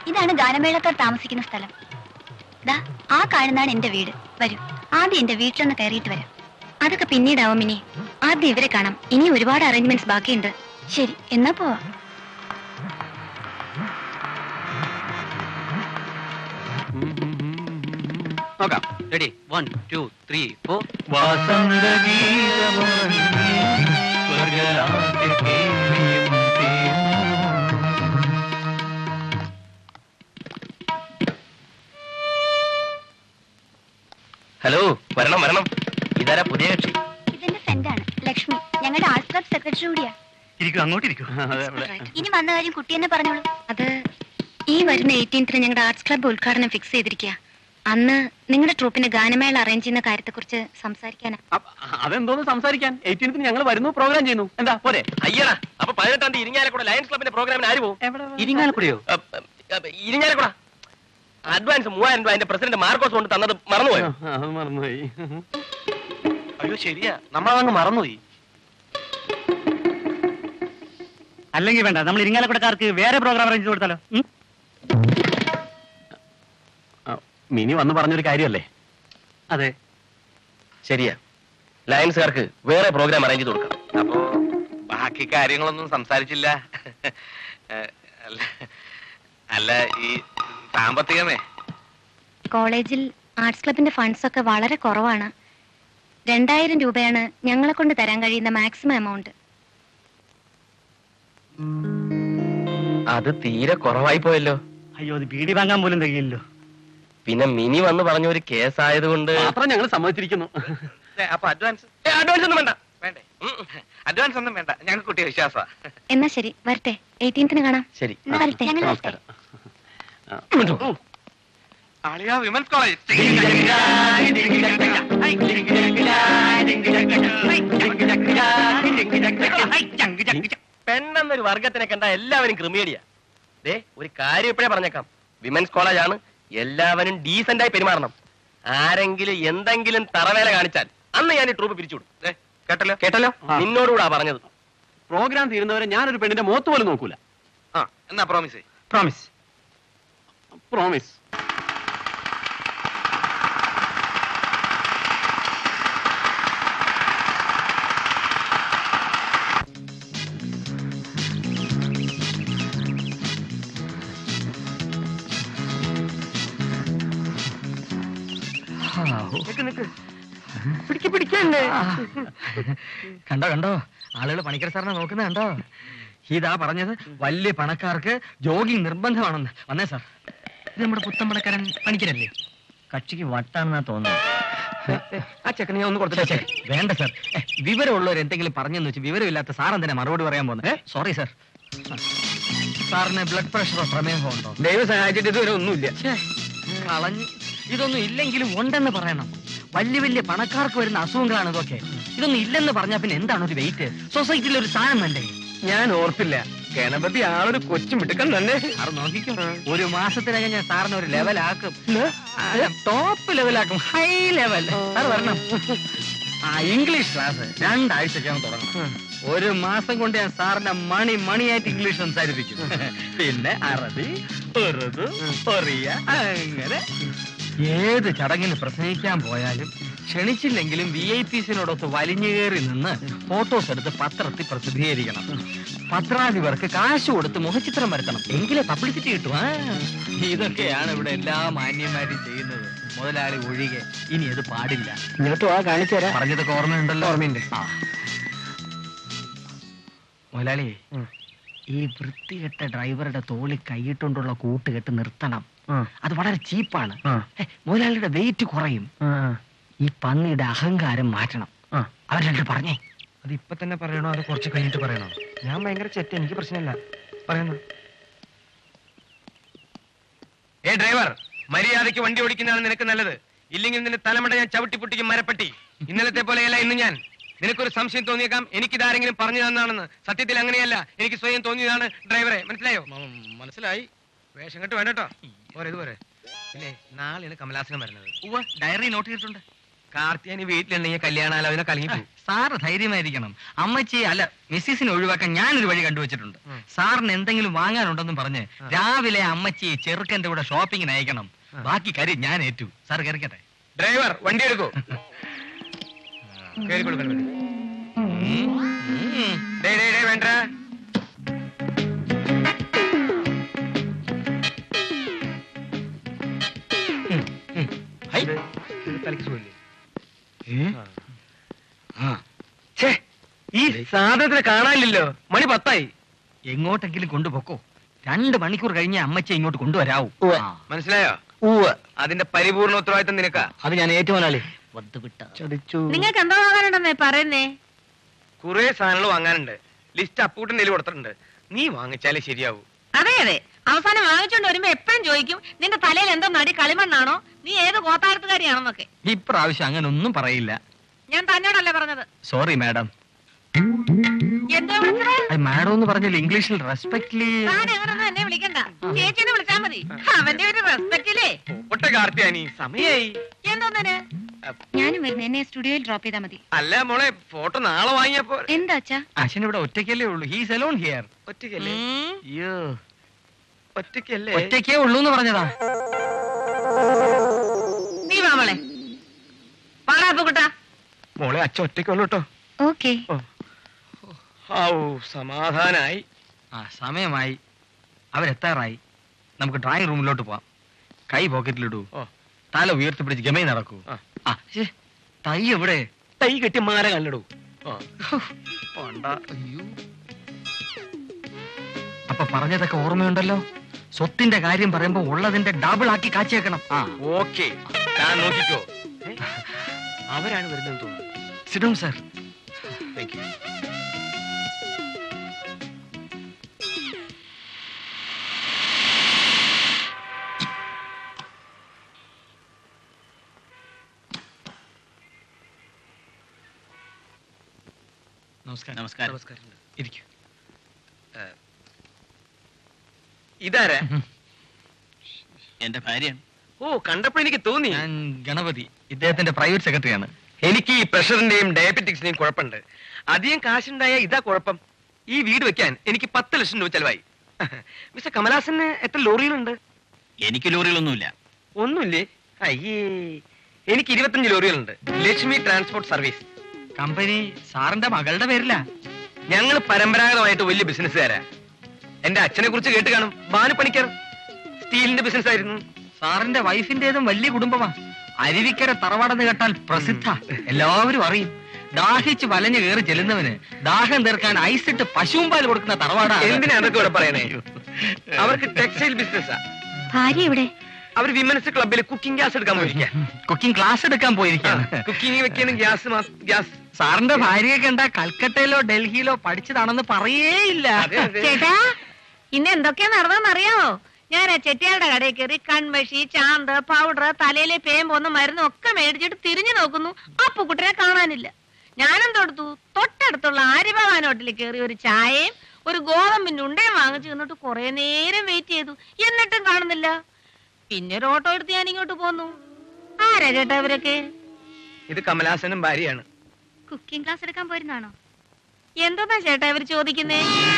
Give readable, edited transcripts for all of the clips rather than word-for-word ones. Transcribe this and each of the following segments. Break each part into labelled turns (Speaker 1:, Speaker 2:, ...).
Speaker 1: ഇതാണ് ഗാനമേളക്കാർ താമസിക്കുന്ന സ്ഥലം. ദാ ആ കാണുന്നതാണ് എന്റെ വീട്. വരൂ, ആദ്യം എന്റെ വീട്ടിലൊന്ന് കയറിയിട്ട് വരാം. അതൊക്കെ പിന്നീടാവും ഇനി. ആദ്യം ഇവരെ കാണാം. ഇനി ഒരുപാട് അറേഞ്ച്മെന്റ്സ് ബാക്കിയുണ്ട്. ശരി, എന്നാ പോവാ.
Speaker 2: നോക്കാം. റെഡി? 1 2 3 4.
Speaker 3: ഹലോ, വരണം വരണം. ഇതാരാ പുതിയ കക്ഷി?
Speaker 1: ഇതെന്റെ ഫ്രണ്ടാണ് ലക്ഷ്മി. ഞങ്ങളുടെ ആർട്സ് ക്ലബ് സെക്രട്ടറി കൂടിയാ.
Speaker 2: അങ്ങോട്ടിരിക്കും.
Speaker 1: ഇനി വന്ന കാര്യം കുട്ടി തന്നെ പറഞ്ഞോളൂ. അത് ഈ വരുന്ന 18th ഞങ്ങളുടെ ആർട്സ് ക്ലബ് ഉദ്ഘാടനം ഫിക്സ് ചെയ്തിരിക്കുക. അന്ന് നിങ്ങളുടെ ട്രൂപ്പിന് ഗാനമേള അറേഞ്ച് ചെയ്യുന്ന കാര്യത്തെ കുറിച്ച് സംസാരിക്കാനാ.
Speaker 2: അതെന്തോന്ന് സംസാരിക്കാൻ? 18th ഞങ്ങൾ വരുന്നു, പ്രോഗ്രാം ചെയ്യുന്നു. എന്താ പോരെ?
Speaker 3: അയ്യടാ, അപ്പൊ 18ാം തീയതി ഇരിങ്ങാലക്കുട ലയൺസ് ക്ലബിന്റെ പ്രോഗ്രാമിന് ആര് പോകും?
Speaker 2: ഇരിങ്ങാലക്കുടയോ?
Speaker 3: ഇരിങ്ങാലക്കുട അഡ്വാൻസ് 3000 രൂപ അതിന്റെ പ്രസിഡന്റ് മാർക്കോസ് കൊണ്ട് തന്നത് മറന്നുപോയോ?
Speaker 2: അത് മറന്നുപോയി.
Speaker 3: അയ്യോ ശരിയാ, നമ്മളതങ്ങ് മറന്നുപോയി.
Speaker 2: അല്ലെങ്കിൽ വേണ്ട, നമ്മൾ ഇരിങ്ങാലക്കുടക്കാർക്ക് വേറെ പ്രോഗ്രാം അറേഞ്ച് കൊടുത്താലോ? മിനി വന്ന് പറഞ്ഞൊരു കാര്യമല്ലേ? അതെ,
Speaker 3: ശരിയാ. ലയൺസുകാർക്ക് വേറെ പ്രോഗ്രാം അറേഞ്ച് ചെയ്ത് കൊടുക്കാം.
Speaker 4: അപ്പോ ബാക്കി കാര്യങ്ങളൊന്നും സംസാരിച്ചില്ല. അല്ല, ഈ സാമ്പത്തികമേ?
Speaker 1: കോളേജിൽ ആർട്സ് ക്ലബിന്റെ ഫണ്ട്സ് ഒക്കെ വളരെ കുറവാണ്. 2000 രൂപയാണ് ഞങ്ങളെ കൊണ്ട് തരാൻ കഴിയുന്ന മാക്സിമം എമൗണ്ട്.
Speaker 3: അത് തീരെ കുറവായി പോയല്ലോ.
Speaker 2: അയ്യോ, അത് ബീഡി വാങ്ങാൻ പോലും തികയില്ലോ.
Speaker 3: പിന്നെ മിനി വന്ന് പറഞ്ഞ ഒരു കേസ് ആയതുകൊണ്ട്
Speaker 2: മാത്രം ഞങ്ങൾ സമ്മതിച്ചിരിക്കുന്നു.
Speaker 4: അപ്പൊ അഡ്വാൻസ്
Speaker 3: ഒന്നും വേണ്ട.
Speaker 4: വേണ്ടേ? അഡ്വാൻസ് ഒന്നും വേണ്ട, ഞങ്ങൾക്ക് കുട്ടിയെ വിശ്വാസമാ.
Speaker 1: എന്നാ ശരി, വരട്ടെ. 18th കാണാം.
Speaker 3: ശരി,
Speaker 1: എന്നാ വരട്ടെ. ഞങ്ങൾ വരട്ടെ.
Speaker 2: നമസ്കാരം.
Speaker 4: ആളിയാ വിമൻസ് കോളേജ്.
Speaker 3: പെണ്ണെന്നൊരു വർഗത്തിനെ കണ്ട എല്ലാവരും ക്രിമിയേഡിയാ. ദേ, ഒരു കാര്യം ഇപ്പോഴേ പറഞ്ഞേക്കാം. വിമൻസ് കോളേജ് ആണ്, എല്ലാവരും ഡീസന്റ് ആയി പെരുമാറണം. ആരെങ്കിലും എന്തെങ്കിലും തറവേല കാണിച്ചാൽ അന്ന് ഞാൻ ഈ ട്രൂപ്പ് പിരിച്ചുവിടും.
Speaker 4: കേട്ടല്ലോ
Speaker 3: കേട്ടല്ലോ? നിന്നോടുകൂടാ പറഞ്ഞത്.
Speaker 2: പ്രോഗ്രാം തീരുന്നവരെ ഞാനൊരു പെണ്ണിന്റെ മുഖത്ത് പോലും നോക്കൂല.
Speaker 4: ആ, എന്നാ പ്രോമിസ്.
Speaker 2: പ്രോമിസ്. പ്രോമിസ്.
Speaker 5: കണ്ടോ കണ്ടോ, ആളുകൾ പണിക്കർ സാറിനെ നോക്കുന്ന കണ്ടോ? ഇതാ പറഞ്ഞത്, വലിയ പണക്കാർക്ക് ജോഗിങ് നിർബന്ധമാണെന്ന്. വന്നേ സാർ, ഇത് നമ്മുടെ പുത്തൻ പണക്കാരൻ പണിക്കരല്ലേ? കക്ഷിക്ക് വട്ടാണെന്നാ തോന്നുന്നത്.
Speaker 3: ആ ചെക്കനെ ഒന്ന് കൊടുത്തിട്ടേ.
Speaker 5: വേണ്ട സാർ, വിവരമുള്ളവർ എന്തെങ്കിലും പറഞ്ഞെന്ന് വെച്ച് വിവരമില്ലാത്ത സാർ എന്തിനാ മറുപടി പറയാൻ പോകുന്നത്? Sorry sir. സാറിന് ബ്ലഡ് പ്രഷറോ പ്രമേഹമോ ഉണ്ടോ?
Speaker 3: ദൈവം സഹായിച്ചിട്ട് ഇതുവരെ ഒന്നുമില്ല.
Speaker 5: കളഞ്ഞ്. ഇതൊന്നും ഇല്ലെങ്കിലും ഉണ്ടെന്ന് പറയണം. വലിയ വലിയ പണക്കാർക്ക് വരുന്ന അസുഖങ്ങളാണ് ഇതൊക്കെ. ഇതൊന്നും ഇല്ലെന്ന് പറഞ്ഞാൽ പിന്നെ എന്താണ് ഒരു വെയിറ്റ്? സൊസൈറ്റിയിൽ ഒരു സ്ഥാനം വേണ്ടേ?
Speaker 3: ഞാൻ ഓർത്തില്ല, ഗണപതി ആളൊരു കൊച്ചു മിടുക്കൻ തന്നെ.
Speaker 5: സാറ് നോക്കിക്കും, ഒരു മാസത്തിനകം ഞാൻ സാറിന് ഒരു ലെവലാക്കും. ടോപ്പ് ലെവലാക്കും, ഹൈ ലെവൽ. സാർ വരണം. ഇംഗ്ലീഷ് ക്ലാസ് 2 ആഴ്ചയ്ക്കകം തുടങ്ങണം. ഒരു മാസം കൊണ്ട് ഞാൻ സാറിന്റെ മണിയായിട്ട് ഇംഗ്ലീഷ് സംസാരിപ്പിക്കും. പിന്നെ അറബി, ഉറുദു, ഒറിയ, അങ്ങനെ ഏത് ചടങ്ങിന് പ്രസംഗിക്കാൻ പോയാലും ക്ഷണിച്ചില്ലെങ്കിലും VIPസിനോടൊത്ത് വലിഞ്ഞു കയറി നിന്ന് ഫോട്ടോസ് എടുത്ത് പത്രത്തിൽ പ്രസിദ്ധീകരിക്കണം. പത്രാധിപർക്ക് കാശ് കൊടുത്ത് മുഖചിത്രം വരുത്തണം, എങ്കിലേ പബ്ലിസിറ്റി കിട്ടും. ഇതൊക്കെയാണ് ഇവിടെ എല്ലാ മാന്യന്മാരും ചെയ്യുന്നത്, മുതലാളി ഒഴികെ. ഇനി അത് പാടില്ല.
Speaker 3: ഇങ്ങോട്ട് വാ, കാണിച്ചു തരാം.
Speaker 5: പറഞ്ഞതൊക്കെ ഓർമ്മയുണ്ടല്ലോ?
Speaker 3: ഓർമ്മയുണ്ട്.
Speaker 5: മുതലാളി, ഈ വൃത്തികെട്ട ഡ്രൈവറുടെ തോളിൽ കൈയിട്ടുകൊണ്ടുള്ള കൂട്ടുകെട്ട് നിർത്തണം. അത് വളരെ ചീപ്പാണ്. മുതലാളിയുടെ വെയിറ്റ് കുറയും. ഈ പന്നിയുടെ അഹങ്കാരം മാറ്റണം. അവർ 2 പറഞ്ഞേ.
Speaker 3: അത് ഇപ്പൊ തന്നെ പറയണോ അത് കുറച്ച് കഴിഞ്ഞിട്ട് പറയണോ? ഞാൻ ഭയങ്കര ചെറ്റ, എനിക്ക് പ്രശ്നമില്ല. പറയുന്നു.
Speaker 4: ഡ്രൈവർ, മര്യാദയ്ക്ക് വണ്ടി ഓടിക്കുന്നതാണ് നിനക്ക് നല്ലത്. ഇല്ലെങ്കിൽ നിന്റെ തലമുണ്ട ഞാൻ ചവിട്ടി പൊട്ടിക്കും മരപ്പട്ടി. ഇന്നലത്തെ പോലെയല്ല ഇന്ന് ഞാൻ. നിനക്കൊരു സംശയം തോന്നിയേക്കാം എനിക്കിതാരെങ്കിലും പറഞ്ഞു തന്നാണെന്ന്. സത്യത്തിൽ അങ്ങനെയല്ല, എനിക്ക് സ്വയം തോന്നിയതാണ് ഡ്രൈവറെ. മനസ്സിലായോ? മനസ്സിലായി. വേഷം കെട്ട് വേണ്ടട്ടോ. പോരെ, ഇത് പോരെ. പിന്നെ നാളെയാണ് കമലാസനം വരുന്നത്.
Speaker 5: ഡയറി നോട്ട് ചെയ്തിട്ടുണ്ട്.
Speaker 4: കാർത്തിയാനി വീട്ടിലുണ്ടെങ്കിൽ കല്യാണാലോചന കലങ്ങി
Speaker 5: സാറ് ധൈര്യമായിരിക്കണം. അമ്മച്ചി അല്ല മിസ്സിസിനെ ഒഴിവാക്കാൻ ഞാനൊരു വഴി കണ്ടുവച്ചിട്ടുണ്ട്. സാറിന് എന്തെങ്കിലും വാങ്ങാനുണ്ടെന്നും പറഞ്ഞ് രാവിലെ അമ്മച്ചി ചെറുക്കന്റെ കൂടെ ഷോപ്പിങ്ങിന് അയക്കണം. ബാക്കി കാര്യം ഞാൻ ഏറ്റു. സാർ കയറിക്കട്ടെ.
Speaker 4: ഡ്രൈവർ വണ്ടി എടുക്കൂ. കേറി കൊടുക്കണം. വേണ്ട തലക്ക് സുഖമില്ലേ? ഈ സാധനത്തിനെ കാണാനില്ലല്ലോ. മണി 10
Speaker 5: എങ്ങോട്ടെങ്കിലും കൊണ്ടുപോക്കോ. 2 മണിക്കൂർ കഴിഞ്ഞ് അമ്മച്ചി ഇങ്ങോട്ട് കൊണ്ടുവരാവൂ.
Speaker 4: മനസ്സിലായോ? അതിന്റെ പരിപൂർണ ഉത്തരവാദിത്തം നിനക്കാ.
Speaker 5: അത് ഞാൻ ഏറ്റുമോനാളി.
Speaker 1: നിങ്ങൾക്ക് എന്താ വാങ്ങാനുണ്ടെന്നേ പറയുന്നേ?
Speaker 4: കുറെ സാധനങ്ങൾ വാങ്ങാനുണ്ട്. ലിസ്റ്റ് അപ്പൂട്ടൻ്റെ കൊടുത്തിട്ടുണ്ട്. നീ വാങ്ങിച്ചാലേ ശരിയാവൂ.
Speaker 1: അതെ അതെ, അവസാനം വാങ്ങിച്ചോണ്ട് വരുമ്പോ എപ്പോഴും ചോദിക്കും നിന്റെ തലയിൽ എന്തോ നടി കളിമണ്ണാണോ, നീ ഏത് കോത്താരത്തുകാരിയാണെന്നൊക്കെ.
Speaker 5: ഇപ്രാവശ്യം അങ്ങനെ ഒന്നും പറയില്ല.
Speaker 1: ഞാൻ തന്നോടല്ലേ പറഞ്ഞത്.
Speaker 5: Sorry madam.
Speaker 1: എന്തോ വിളിച്ചത്?
Speaker 5: മാഡം എന്ന് പറഞ്ഞാൽ ഇംഗ്ലീഷിൽ റെസ്പെക്ട്ലി.
Speaker 1: താൻ അങ്ങനൊന്നും എന്നെ വിളിക്കണ്ട, ചേച്ചിനെ വിളിച്ചാ മതി. അവന്റെ ഒരു റെസ്പെക്റ്റില്ലേ.
Speaker 4: ഒട്ട കാർത്തിയാനി സമയായി.
Speaker 1: എന്തോന്നെ? ഞാനും വരുന്നു, എന്നെ സ്റ്റുഡിയോയിൽ ഡ്രോപ്പ് ചെയ്താൽ മതി.
Speaker 4: അല്ല മോളെ, ഫോട്ടോ നാളെ വാങ്ങിയപ്പോ.
Speaker 1: എന്താ അച്ഛാ?
Speaker 5: അച്ഛൻ ഇവിടെ ഒറ്റയ്ക്കല്ലേ ഉള്ളൂ. He's alone here.
Speaker 4: ഒറ്റയ്ക്കല്ലേ?
Speaker 5: അയ്യോ,
Speaker 4: ഒറ്റയ്ക്കല്ലേ?
Speaker 5: ഒറ്റയ്ക്കേ ഉള്ളൂ എന്ന് പറഞ്ഞതാ.
Speaker 1: നീ വാ മോളെ. പാടാപ്പുകുട്ടാ.
Speaker 4: മോളെ അച്ഛൻ ഒറ്റയ്ക്കുള്ളൂ കേട്ടോ.
Speaker 1: ഓക്കേ.
Speaker 4: സമാധാനായി.
Speaker 5: സമയമായി, അവരെത്താറായി. നമുക്ക് ഡ്രോയിങ് റൂമിലോട്ട് പോവാം. കൈ പോക്കറ്റിലിടൂ, തല ഉയർത്തിപ്പിടിച്ച് ഗമയിൽ നടക്കൂ. തൈ എവിടെ?
Speaker 4: തൈ കെട്ടി മാല കല്ലടൂ.
Speaker 5: അപ്പൊ പറഞ്ഞതൊക്കെ ഓർമ്മയുണ്ടല്ലോ. സ്വത്തിന്റെ കാര്യം പറയുമ്പോ ഉള്ളതിന്റെ ഡബിൾ ആക്കി കാച്ചേക്കണം.
Speaker 4: ഓക്കെ, ഞാൻ നോക്കിക്കോ. അവരാണ് വരുന്നത് തോന്നുന്നു.
Speaker 5: Sit down sir.
Speaker 4: Thank you.
Speaker 5: നമസ്കാരം.
Speaker 4: നമസ്കാരം.
Speaker 5: ഇരിക്കൂ.
Speaker 4: ഇതാരാ?
Speaker 2: എന്റെ ഭാര്യയാണ്.
Speaker 4: ഓ, കണ്ടപ്പോ എനിക്ക് തോന്നി.
Speaker 5: ഞാൻ ഗണപതി, ഇദ്ദേഹത്തിന്റെ പ്രൈവറ്റ് സെക്രട്ടറിയാണ്.
Speaker 4: എനിക്ക് ഈ പ്രഷറിന്റെയും ഡയബറ്റിക്സിന്റെയും കുഴപ്പമുണ്ട്. അധികം കാശുണ്ടായ ഇതാ കുഴപ്പം. ഈ വീട് വെക്കാൻ എനിക്ക് 10 ലക്ഷം രൂപ ചെലവായി. മിസ്റ്റർ കമലാസന് എത്ര ലോറികളുണ്ട്?
Speaker 2: എനിക്ക് ലോറികളൊന്നുമില്ല.
Speaker 4: ഒന്നുമില്ലേ? അയ്യേ, എനിക്ക് 25 ലോറികളുണ്ട്. ലക്ഷ്മി ട്രാൻസ്പോർട്ട് സർവീസ്
Speaker 5: കമ്പനി സാറിന്റെ മകളുടെ പേരില.
Speaker 4: ഞങ്ങൾ പരമ്പരാഗതമായിട്ട് വലിയ ബിസിനസ്സുകാരാ. എന്റെ അച്ഛനെ കുറിച്ച് കേട്ട് കാണും. ബാനു പണിക്കർ സ്റ്റീലിന്റെ ബിസിനസ് ആയിരുന്നു.
Speaker 5: സാറിന്റെ വൈഫിന്റേതും വലിയ കുടുംബമാ. അരുവിക്കര തറവാടെന്ന് കേട്ടാൽ പ്രസിദ്ധ, എല്ലാവരും അറിയും. ദാഹിച്ച് വലഞ്ഞു കയറി ചെല്ലുന്നവന് ദാഹം തീർക്കാൻ ഐസിട്ട് പശുവും പാൽ കൊടുക്കുന്ന തറവാടാ.
Speaker 4: എന്തിനാ അതൊക്കെ ഇവിടെ പറയണേ? അവർക്ക് ടെക്സ്റ്റൈൽ ബിസിനസ്സാ.
Speaker 1: ഭാര്യ ഇവിടെ?
Speaker 4: അവർ വിമൻസ് ക്ലബിൽ കുക്കിംഗ് ഗ്യാസ് എടുക്കാൻ പോയിരിക്കാം.
Speaker 5: കുക്കിംഗ് ക്ലാസ് എടുക്കാൻ പോയിരിക്കാണ്.
Speaker 4: കുക്കിംഗ് വെക്കാനും ഗ്യാസ്.
Speaker 5: സാറിന്റെ ഭാര്യയെ കണ്ട കൽക്കട്ടയിലോ ഡൽഹിയിലോ പഠിച്ചതാണെന്ന് പറയേയില്ല.
Speaker 1: ചേട്ടാ, ഇന്ന് എന്തൊക്കെയാ നടന്നറിയാമോ? ഞാൻ ആ ചെട്ടിയാളുടെ കടയിൽ കയറി കൺമഷി, ചാന്ത്, പൗഡർ, തലയിലെ പേമ്പൊന്ന് മരുന്നും ഒക്കെ മേടിച്ചിട്ട് തിരിഞ്ഞു നോക്കുന്നു. അപ്പുക്കുട്ടനെ കാണാനില്ല. ഞാനെന്തെടുത്തു? തൊട്ടടുത്തുള്ള ആര്യഭവാൻ ഹോട്ടലിൽ കയറി ഒരു ചായയും ഒരു ഗോതമ്പിന്റെ ഉണ്ടയും വാങ്ങിച്ചു നിന്നിട്ട് കുറെ നേരം വെയിറ്റ് ചെയ്തു. എന്നിട്ടും കാണുന്നില്ല. പിന്നെ ഒരു ഓട്ടോ എടുത്ത് ഞാൻ ഇങ്ങോട്ട് പോന്നു. ആരാ ചേട്ടാ ഇവരൊക്കെ?
Speaker 4: ഇത് കമലാസനും ഭാര്യയാണ്.
Speaker 1: കുക്കിംഗ് ക്ലാസ് എടുക്കാൻ പോയിരുന്നാണോ? എന്താ ചേട്ടാ ഇവർ ചോദിക്കുന്നേ?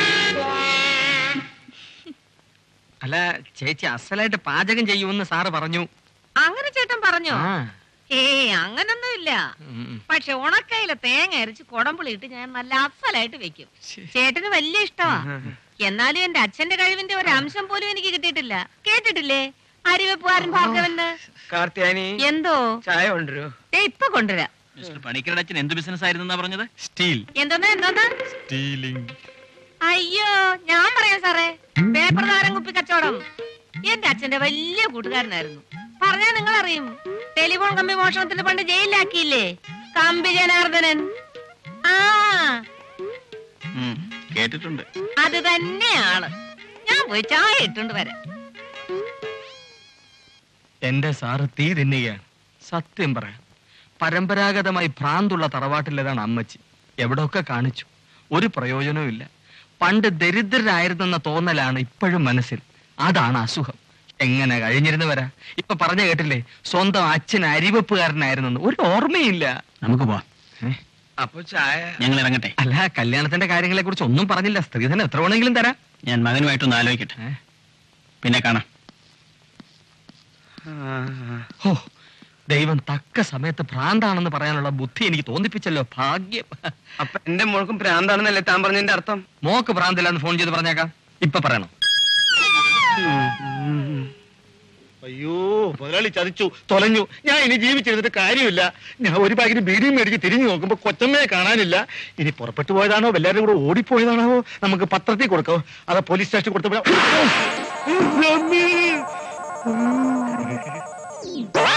Speaker 5: അല്ല, ചേച്ചി അസലായിട്ട് പാചകം ചെയ്യുമെന്ന് സാറ് പറഞ്ഞു.
Speaker 1: അങ്ങനെ ചേട്ടൻ പറഞ്ഞോ? അങ്ങനൊന്നുമില്ല. പക്ഷെ ഉണക്കയിലെ തേങ്ങ അരച്ച് കുടമ്പുളി ഇട്ട് ഞാൻ നല്ല അസലായിട്ട് വെക്കും. ചേട്ടന് വലിയ ഇഷ്ടമാ. എന്നാലും എന്റെ അച്ഛന്റെ കഴിവിന്റെ ഒരു അംശം പോലും എനിക്ക് കിട്ടിയിട്ടില്ല. കേട്ടിട്ടില്ലേ അരിവെപ്പുകാരൻ ഭാർഗവന്?
Speaker 4: കാർത്തിയാനി,
Speaker 1: എന്തോ
Speaker 4: ചായ കൊണ്ടുവരൂ.
Speaker 1: ഇപ്പൊ കൊണ്ടുവരാം.
Speaker 2: മിസ്റ്റർ പണിക്കരുടെ അച്ഛൻ എന്ത് ബിസിനസ് ആയിരുന്നു പറഞ്ഞത്?
Speaker 5: സ്റ്റീൽ.
Speaker 1: എന്തോന്നാ?
Speaker 5: സ്റ്റീലിംഗ്.
Speaker 1: അയ്യോ, ഞാൻ പറയാം സാറേ, പേപ്പർ നാരം കുപ്പി കച്ചവടം. എന്റെ അച്ഛന്റെ വലിയ കൂട്ടുകാരനായിരുന്നു. പറഞ്ഞാ നിങ്ങൾ അറിയും. ടെലിഫോൺ കമ്പി മോഷണത്തിന് പണ്ട് ജയിലിലാക്കിയില്ലേ കമ്പി ജനാർദ്ദനൻ?
Speaker 2: കേട്ടിട്ടുണ്ട്.
Speaker 1: അത് തന്നെയാണ്. ഞാൻ പോയി ചായ ഇട്ടുകൊണ്ട് വരാം.
Speaker 5: എന്റെ സാറ് തീ തിന്നുകയാണ്. സത്യം പറയാം, പരമ്പരാഗതമായി ഭ്രാന്തുള്ള തറവാട്ടിലേതാണ് അമ്മച്ചി. എവിടെയൊക്കെ കാണിച്ചു, ഒരു പ്രയോജനവും ഇല്ല. പണ്ട് ദരിദ്രരായിരുന്നെന്ന തോന്നലാണ് ഇപ്പോഴും മനസ്സിൽ. അതാണ് അസുഖം. എങ്ങനെ കഴിഞ്ഞിരുന്നു വരാ? ഇപ്പൊ പറഞ്ഞ കേട്ടില്ലേ, സ്വന്തം അച്ഛൻ അരിവെപ്പുകാരനായിരുന്നു. ഒരു ഓർമ്മയില്ല.
Speaker 2: നമുക്ക് പോവാം.
Speaker 4: അപ്പൊ ചായ
Speaker 2: ഞങ്ങൾ ഇറങ്ങട്ടെ.
Speaker 5: അല്ല, കല്യാണത്തിന്റെ കാര്യങ്ങളെ കുറിച്ച് ഒന്നും പറഞ്ഞില്ല. സ്ത്രീധനം എത്ര വേണമെങ്കിലും തരാം.
Speaker 2: ഞാൻ മകനുമായിട്ടൊന്ന് ആലോചിക്കട്ടെ, പിന്നെ കാണാം.
Speaker 5: ഹോ, ദൈവം തക്ക സമയത്ത് ഭ്രാന്താണെന്ന് പറയാനുള്ള ബുദ്ധി എനിക്ക് തോന്നിപ്പിച്ചല്ലോ. ഭാഗ്യം.
Speaker 4: അപ്പൊ എന്റെ മോൾക്കും ഭ്രാന്താണെന്നല്ലേ താൻ പറഞ്ഞതിന്റെ അർത്ഥം?
Speaker 5: മോക്ക് ഭ്രാന്തില്ലാന്ന് ഫോൺ ചെയ്ത് പറഞ്ഞേക്കാം. ഇപ്പൊ പറയണം.
Speaker 6: അയ്യോ, മുതലാളി ചതിച്ചു, തൊലഞ്ഞു. ഞാൻ ഇനി ജീവിച്ചിരുന്നിട്ട് കാര്യമില്ല. ഞാൻ ഒരു പാക്കിന് ബീഡിയും മേടിച്ച് തിരിഞ്ഞു നോക്കുമ്പോ കൊച്ചമ്മയെ കാണാനില്ല. ഇനി പുറപ്പെട്ടു പോയതാണോ എല്ലാവരും കൂടെ ഓടിപ്പോയതാണോ? നമുക്ക് പത്രത്തിൽ കൊടുക്കാവോ? അതോ പോലീസ് സ്റ്റേഷനിൽ കൊടുത്തപ്പോ